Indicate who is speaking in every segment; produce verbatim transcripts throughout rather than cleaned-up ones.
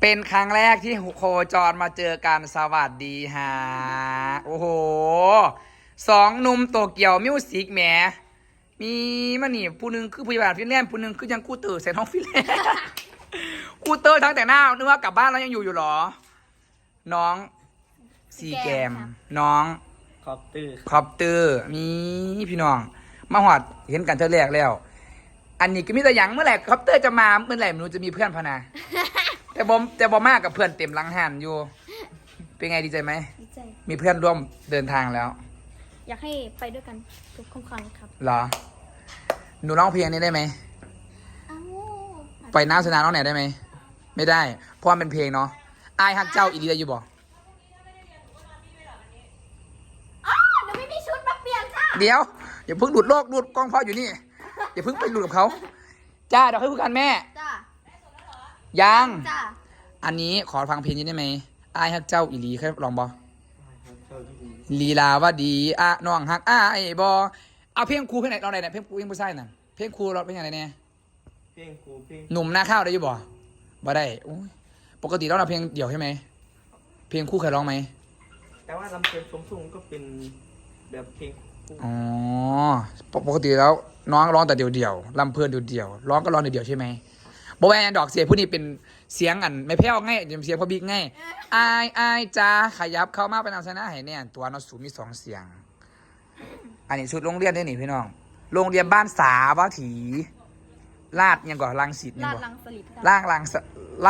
Speaker 1: เป็นครั้งแรกที่โคจรมาเจอกันสวัสดีฮะโอ้โหสองหนุ่มโตเกียวมิวสิกแหมมีมันนี่ผู้หนึงคือพยาบาลฟินแลนด์ผู้หนึงคือยังกูเตอร์เซนท้องฟินแลนด์กูเตอร์ทั้งแต่หน้านึกว่ากลับบ้านแล้วยังอยู่อยู่หรอน้องซีแกมน้อง
Speaker 2: คอปเตอร์
Speaker 1: คอปเตอร์มีพี่น้องมาหอดเห็นกันเท่าแรกแล้วอันนี้ก็มีแต่ยังเมื่อไหร่คอปเตอร์จะมาเมื่อไหร่ไม่รู้จะมีเพื่อนพนาแต่บอมแต่บอมมากกับเพื่อนเต็มหลังหันอยู่เป็นไงดีใจไหม
Speaker 3: ดีใจ
Speaker 1: มีเพื่อนร่วมเดินทางแล้ว
Speaker 3: อยากให้ไปด้วยกันทุกครั้งครับ
Speaker 1: เหรอหนูร้องเพลงนี้ได้ไหม
Speaker 3: อ้าว
Speaker 1: ไปน้ำสนามน้องไหนได้ไหมไม่ได้เพราะมันเป็นเพลงเนาะอายฮักเจ้าอีดีได้อยู่บ่
Speaker 3: อ๋อหนูไม่มีชุดมาเปลี่ยนจ้า
Speaker 1: เดี๋ยวอย่าเพิ่งหลุดโลกหลุดกล้องพ่ออยู่นี่อย่าเพิ่งไปหลุดกับเขาจ้าเดี๋ยวให้พูดกันแม่
Speaker 3: จ้า
Speaker 1: ยัง
Speaker 3: จ้า
Speaker 1: อันนี้ขอฟังเพลงนี้ได้ไหมอายฮักเจ้าอีลีเคยลองบอลีลาว่าดีอะน้องฮักอายบอเอาเพลงครูเพลงไหนเราไหนเนี่ยเพลงครูเพลงผู้ชายนั่นเพลงครูเราเป็นยังไงเนี่ย
Speaker 2: เพลงครูเพลง
Speaker 1: หนุ่มหน้าข้าวได้อยู่บ่บ่ได้โอ้ยปกติเราเราเพลงเดี่ยวใช่ไหมเพลงคู่เคยร้องไหม
Speaker 2: แต่ว่าลำเพลินสมทุ่งก็เป็นแบบเพลงคู่
Speaker 1: อ๋อปกติแล้วน้องร้องแต่เดี่ยวเดี่ยวลำเพลินเดี่ยวเดี่ยวร้องก็ร้องเดี่ยวใช่ไหมบอแวนดอกเสียงผู้นี้เป็นเสียงอันไม่แพ้วง่ายเสียงพอบิ๊กง่ายอายอายจ้าขยับเข้ามาเป็นนำชนะให้เนี่ยตัวนอสูมีสองเสียงอันนี้ชุดโรงเรียนด้วยนี่พี่น้องโรงเรียนบ้านสาวัตถีลาดยังก่อนลังสิตยัง
Speaker 3: ลาด
Speaker 1: ก่อน
Speaker 3: ลังสลิด
Speaker 1: ล่างลังสละ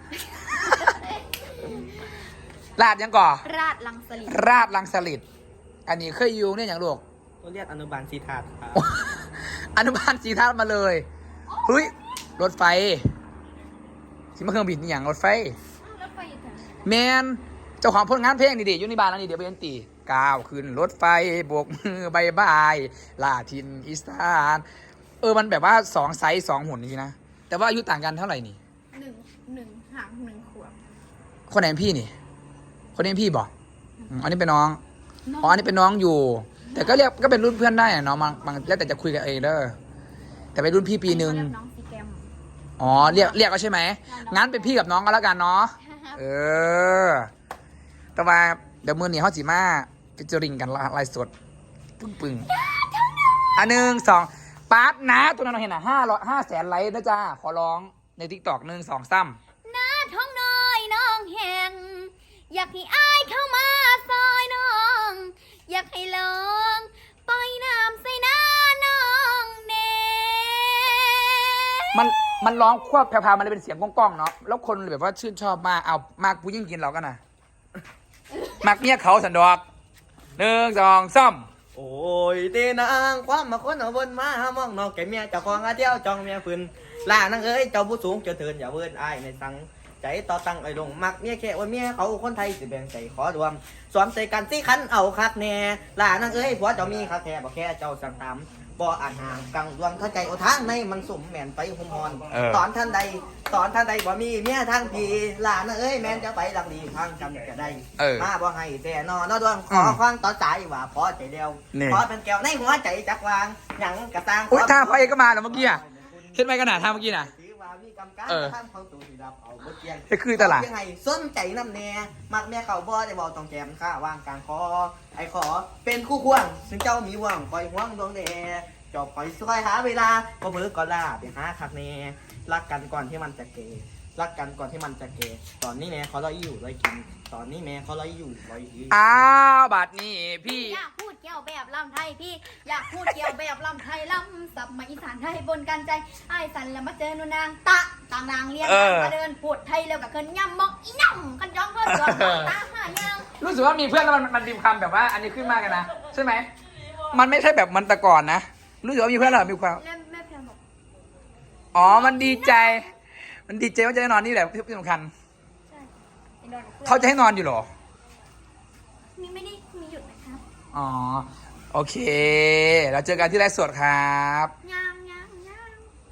Speaker 1: ลาดยังก่อ
Speaker 3: ราดลังสลิด
Speaker 1: ราดลังสลิดอันนี้เคยอยู่เนี่ยอย่างลูก
Speaker 2: เขาเรียกอนุบาลสีถาดครับ
Speaker 1: อนุบาลสีทัศน์มาเลยเฮ้ยรถไฟที่มาเครื่องบินนี่อย่างรถไฟ
Speaker 3: รถไฟอยู่แถวไหน
Speaker 1: แมนเจ้าของผลงานเพลงนี่ดิอยู่ในบ้านแล้วนี่เดี๋ยวไปเล่นตีก้าวขึ้นรถไฟโบกมือบายบายลาทินอีสานเออมันแบบว่าสองไซส์สองหุ่นนี่นะแต่ว่าอายุต่างกันเท่าไหร่นี่
Speaker 3: หนึ่งหนึ่งห่างหนึ่งขวบ
Speaker 1: คนไหนเป็นพี่นี่คนนี้เป็นพี่บอกอันนี้เป็นน้องอ๋ออันนี้เป็นน้องอยู่แต่ก็เรียกก็เป็นรุ่นเพื่อนได้อะน้องบางบางแล้วแต่จะคุยกันเองเด้อแต่เป็นรุ่นพี่ปีหนึ่ง
Speaker 3: น้องซีแกม
Speaker 1: อ๋อเรียกเรียกก็ใช่ไหมงั้นเป็นพี่กับน้องก็แล้วกันเนาะเออแต่ว่าเดี๋ยวมือหนีเขาจีมาฟิจริงกันลายสดปึ้งปึ้งอันหนึ่งสองปาร์ตนะตัวนั้นเราเห็นอ่ะห้าร้อยห้าแสนไลค์นะจ้าขอร้องในทิกตอกหนึ่งสองซ้
Speaker 3: ำหน้าท้องน้อยน้องแหงอยากให้อายเข้ามาซอยน้องอยากให้ลองปล่อยน้ำใส่หน้าน้องเน่
Speaker 1: มันมันร้องควบแพรวๆมันเลยเป็นเสียงก้องๆเนาะแล้วคนแบบว่าชื่นชอบมากเอามากผู้ยิ่งกินเรากันนะมากเมียเขาสันดอกหนึ่งสองซ้
Speaker 2: โอ้ยเตนางความมาคนเอาบนมาหามองนอกแก่เมียเจ้าของอาเที่ยวจองเมียฝืนล่านังเอ้ยเจ้าผู้สูงเจ้าเถินอย่าเวินอายในสังใจต่อตังไอ้ลงมักเมียแค่ว่าเมียเขาคนไทยสิแบ่งใจขอรวมสวมใส่กันสิคันเอาคักแน่ล่านังเอ้ยผัวเจ้ามีคักแท้บอกแค่เจ้าสั่งตามบ่อ่านห่างกังดวงเข้าใจโอทางในมันสุ่มแม่นไปหุ่มฮอนตอนท่านใดตอนท่านใดบ่มีเมียทางพีหลานเอ้ยแม่นจะไปดังดีทางจำจะได้มาบ่ให้แต่นอนดวงขอควางต่อใจว่าพอใจเดียวพอเป็นแก้วในหัวใจจักวางหยังกระตัง
Speaker 1: อุ้ยท่าพระเอกก็มาแล้วเมื่อกี้อ่ะเห็นไหมขนาดท่าเมื่อกี้น่ะ
Speaker 2: เออ
Speaker 1: จะคือตลาด
Speaker 2: ยังไงส้นใจน้ำแน่มักแม่เขาบ่ได้บอกต้องแจมข้าวางกลางคอไอ้ขอเป็นคู่ควงซึ่งเจ้ามีหวังคอยห่วงดวงแดจอบคอยช่วยหาเวลาก็เบิกก็ลาไปหาคักแน่รักกันก่อนที่มันจะเกยรักกันก่อนที่มันจะเกยตอนนี้แม่เขาร้อยอยู่ร้อยกินตอนนี้แม่เขาร้อยอยู่ร้อยกิน
Speaker 1: อ้าวบัดนี้พี่
Speaker 3: อยากพูดเกี่ยวแบบลำไทยพี่อยากพูดเกี่ยวแบบลำไทยลำสับมาอีสานไทยบนกันใจไอ้สันแล้วมาเจอหนูนางตะต่างนางเรียนมาเดินพูดไทยแล้วกับเคินย่ำมอกอีน่ำกันจ้องเคินตัวตาหายัง
Speaker 1: รู้สึกว่ามีเพื่อนแล้วมันมันดิมคำแบบว่าอันนี้ขึ้นมากกันนะใช่ไหมมันไม่ใช่แบบมันแต่ก่อนนะรู้สึกว่ามีเพื่อนเรามีความ
Speaker 3: แม่เพียงบอก
Speaker 1: อ๋อมันดีใจมันดีใจว่าจะได้นอนนี่แหละที่สำคัญ
Speaker 3: ใช่
Speaker 1: เขาจะให้นอนอยู่หรอ
Speaker 3: มีไม่ได้มีหยุดนะครับ
Speaker 1: อ๋อโอเคเราเจอกันที่ไลฟ์สดครับ
Speaker 3: งาม